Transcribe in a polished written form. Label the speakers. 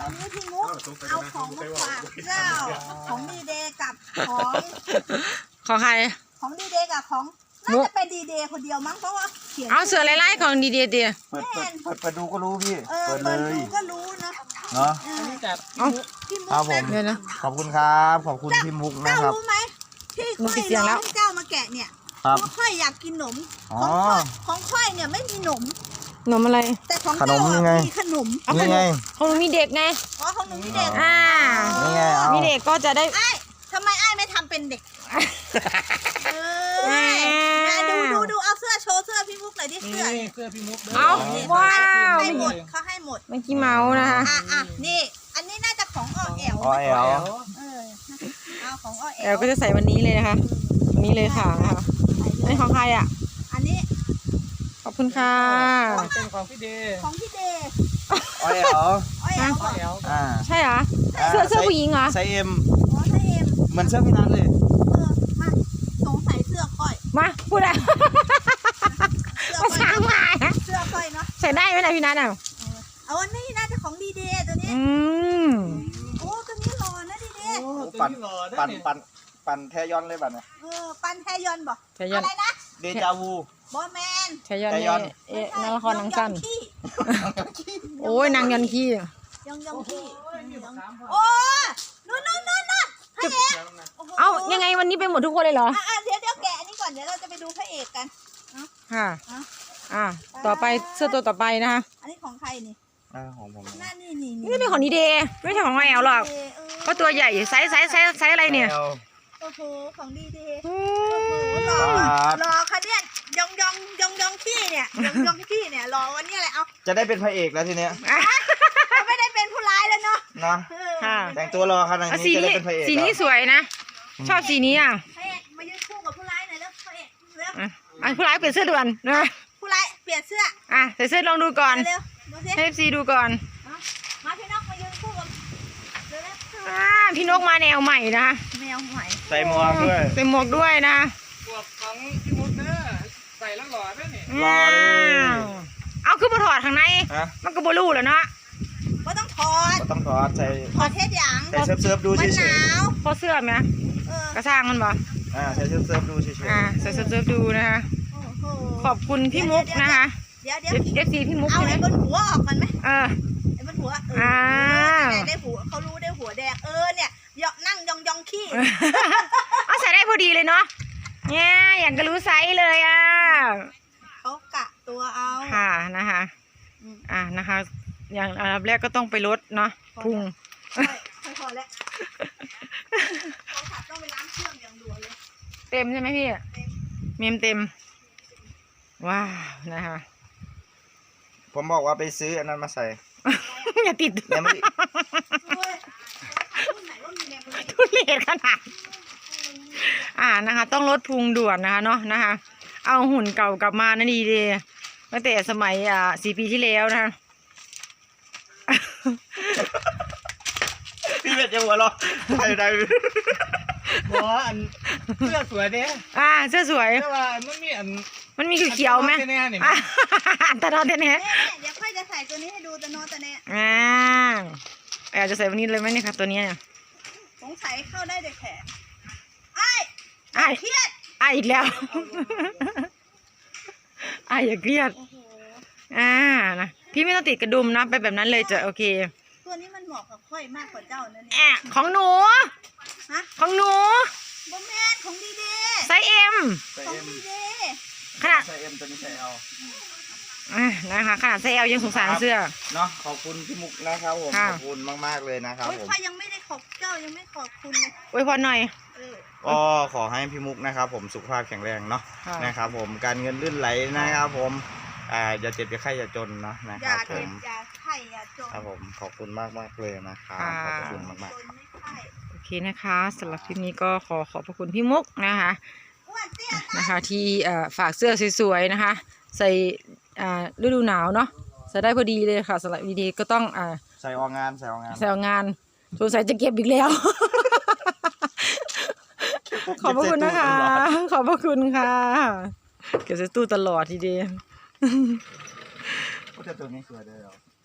Speaker 1: อันนี้พี่มุกเอาของมาฝากเจ้าของดีเดย์กับ
Speaker 2: ของใคร
Speaker 1: ของดีเดย์กับของน่าจะเป็นดีเดย์คนเดียวมั้งเพราะว่าเขียน
Speaker 2: เอาเสือไล่ๆของดีเดียเดีย
Speaker 3: เปิดดูก็รู้พี่เปิดเลย
Speaker 1: ดูก็รู้นะ
Speaker 3: เนาะ
Speaker 1: พี่มุก
Speaker 3: ครับผมขอบคุณครับขอบคุณพี่มุกนะครับ
Speaker 1: เจ้ารู้ไหมที่ค่อยร้องให้เจ้ามาแกะเนี่ยเพราะค่อยอยากกินขนมของค่อยเนี่ยไม่มีขนม
Speaker 2: ขนมอะไร
Speaker 1: แต่ของเจ้ามีขนม
Speaker 3: นี่ไง
Speaker 2: ของหนูมีเด็กไง
Speaker 1: อ๋อของหนูมีเด็ก
Speaker 3: นี่ไง
Speaker 2: มีเด็กก็จะได้
Speaker 1: ทำไมไอ้ไม่ทำเป็นเด็กดูเอาเสื้อโชว์เสื้อพี่มุกหน่อยดิเสื้อ
Speaker 4: พี่มุก
Speaker 2: เอาว้าว
Speaker 1: ให้หมดเขาให้หมด
Speaker 2: เมื่อกี้เมาส์นะคะ
Speaker 1: นี่อันนี้น่าจะของอ้อแอลเอาของอ้อแอล
Speaker 2: ก็จะใส่วันนี้เลยนะคะวันนี้เลยค่ะนะคะนี่ของใครอ่ะ
Speaker 1: อันนี้
Speaker 2: ขอบคุณค่ะ
Speaker 4: เป็นของพี่เดย์
Speaker 3: อ้อย
Speaker 2: ใช่เหรอเสื้อผู้หญิงเหรอ
Speaker 3: ไซส์เอ็ม
Speaker 1: ไซส์เอ็ม
Speaker 3: เหมือนเสื้อพี่นัทเลย
Speaker 1: มาสงสัยเสื้อค่อย
Speaker 2: มาพูดอะไรมาช้างมา
Speaker 1: เสื้อค่อยเนาะ
Speaker 2: ใส่ได้ไหมนะพี่นัท
Speaker 1: เอาอันนี้น่าจะของดีเดย์ตัวนี้โอ้ตัวนี้หล่อนะดีเดย์
Speaker 3: ปั่นแทยอนเลยบัดเนี่ย
Speaker 1: ปั่นแทยอนบอกอะไรนะ
Speaker 3: เดจาวู
Speaker 1: บอแมน
Speaker 2: แทยอนนางละครนางสั้นโอ้ยนางยอนขี้
Speaker 1: ยองขี้โอ้นู่นพระเอก
Speaker 2: เอายังไงวันนี้ไปหมดทุกคนเลยเหรอ
Speaker 1: เดี๋ยวแกะนี่ก่อนเดี๋ยวเราจะไปดูพระเอกกัน
Speaker 2: ค่ะต่อไปเสื้อตัวต่อไปนะคะ
Speaker 1: อันนี้ของใครนี่
Speaker 3: ของผม
Speaker 2: นี่เป็นของดีเดย์ไม่ใช่ของแอลหรอกก็ตัวใหญ่ไซส์อะไรเนี่ย
Speaker 1: โอ้โหของดีเดย์รอค่ะเนี่ยยองขี้เนี่ยยองขี้เนี่ยรอวันนี้อะไรเอา
Speaker 3: จะได้เป็นพระเอกแล้วทีเนี้ย
Speaker 1: ไม่ได้เป็นผู้ร้ายแล้วเนาะ
Speaker 3: แต่งตัวรอขนาดนี้จะได้เป็นพระเอก
Speaker 2: สีนี้สวยนะชอบสีนี้
Speaker 1: พระเอกมายืนคู่กับผู้ร้ายหน่อยแล้วพระเอก
Speaker 2: ผู้ร้ายเปลี่ยนเสื้อด่วนนะ
Speaker 1: ผู้ร้ายเปลี่ยนเสื้อ
Speaker 2: ใส่เสื้อลองดูก่อนให้ซีดูก่อน
Speaker 1: มาพี่นกมายืนคู่กับ
Speaker 2: พี่นกมาแนวใหม่นะ
Speaker 1: แนวใหม่
Speaker 3: ใส่หมวกด้วย
Speaker 2: ใส่หมวกด้วยนะ
Speaker 4: หมวกของพี่มุกเนอะใส่แล้วหล่อด้วยนี่
Speaker 3: หล่อ
Speaker 2: เอาคือมาถอดข้างในมันก็บลูแล้วเนาะ
Speaker 1: ก็ต้องถอด
Speaker 3: ใส่
Speaker 1: ถอดเทสอย่าง
Speaker 3: ใส่เซิร์ฟดูเฉย
Speaker 2: ๆพอเสื้อไหมกระช่างมันบ่
Speaker 3: ใส่เซิร์ฟดูเฉย
Speaker 2: ๆใส่เซิร์ฟดูนะคะขอบคุณพี่มุกนะคะ
Speaker 1: เดี๋ยว
Speaker 2: FC พี่มุก
Speaker 1: เอาไอ้บนหัวออกมันไหม
Speaker 2: ไ
Speaker 1: อ้บนหัวได้หัวเขารู้ได้หัวแดงเนี่ยนั่งยองขี้
Speaker 2: เอาใส่ได้พอดีเลยเนาะเนี่ยอย่างก็รู้ไซส์เลย
Speaker 1: เขากะตัวเอา
Speaker 2: ค่ะนะคะนะคะอย่างอันดับแรกก็ต้องไปลดเนาะพุง
Speaker 1: พอแล้วต้องไปล้างเครื่องอย่างด่วนเลย
Speaker 2: เต็มใช่ไหมพี่เมมเต็มว้าวนะคะ
Speaker 3: ผมบอกว่าไปซื้ออันนั้นมาใส่
Speaker 2: อย่าติดทุเรศขนาดนะคะต้องลดพุงด่วนนะคะเนาะนะคะเอาหุ่นเก่ากลับมานะดีเลยตั้งแต่สมัย4 ปีที่แล้วนะคะ
Speaker 3: พี่เป็ดจะหัวเราะได้
Speaker 4: หัวอันเสื้อสวยเด้
Speaker 2: เสื้อสวย
Speaker 4: แต่ว่า
Speaker 2: มันมีเขียวไหมตะนอนเน่
Speaker 1: เดี๋ยวค่อยจะใส่ตัวนี้ให้ดูตะนอนตะเน่
Speaker 2: อยากจะใส่วันนี้เลยไหมเนี่ยค่ะตัวนี้
Speaker 1: สงสัยเข้าได้แต่แขนเครียด
Speaker 2: อีกแล้วอย่าเครียดนะพี่ไม่ต้องติดกระดุมนะไปแบบนั้นเลยจะโอเค
Speaker 1: ตัวนี้มันเหมาะกับค่อยมากกว่าเจ้านั่นเนี่ย
Speaker 2: ของหนูของหนู
Speaker 1: บอมแมนของดีเด
Speaker 2: ไซส์เอ็ม
Speaker 1: ของดีเด
Speaker 2: ขนาด
Speaker 3: ไซส์เอ็มตัวนี้ไซส์เอล
Speaker 2: นะคะขนาดไซส์เอลยังสงสารเสื้อ
Speaker 3: เนาะขอบคุณพี่มุกนะครับผมขอบคุณมากๆเลยนะครับผม
Speaker 1: ค่อยยังไม่ได้ขอบเจ้ายังไม่ขอบคุณเลย
Speaker 2: อวยพรหน่อย
Speaker 3: ก็ขอให้พี่มุกนะครับผมสุขภาพแข็งแรงเนาะนะครับผมการเงินลื่นไหลนะครับผมอย่าเจ็บอย่าไข้อย่าจนนะครับผม
Speaker 1: อย่าไข้อย่าจน
Speaker 3: ครับผมขอบคุณมากเลยนะครับขอบคุณมาก
Speaker 2: โอเคนะคะสำหรับคลิปนี้ก็ขอบพระคุณพี่มุกนะคะที่ฝากเสื้อสวยๆนะคะใส่ฤดูหนาวเนาะใส่ได้พอดีเลยค่ะสำหรับดีๆก็ต้อง
Speaker 3: ใส่ออกงาน
Speaker 2: สงสัยจะเก็บอีกแล้วขอบพระคุณนะคะขอบพระคุณค่ะเก็บใส่ตู้ตลอดทีเดียว
Speaker 3: ก็จะตัวนี้สวยเลย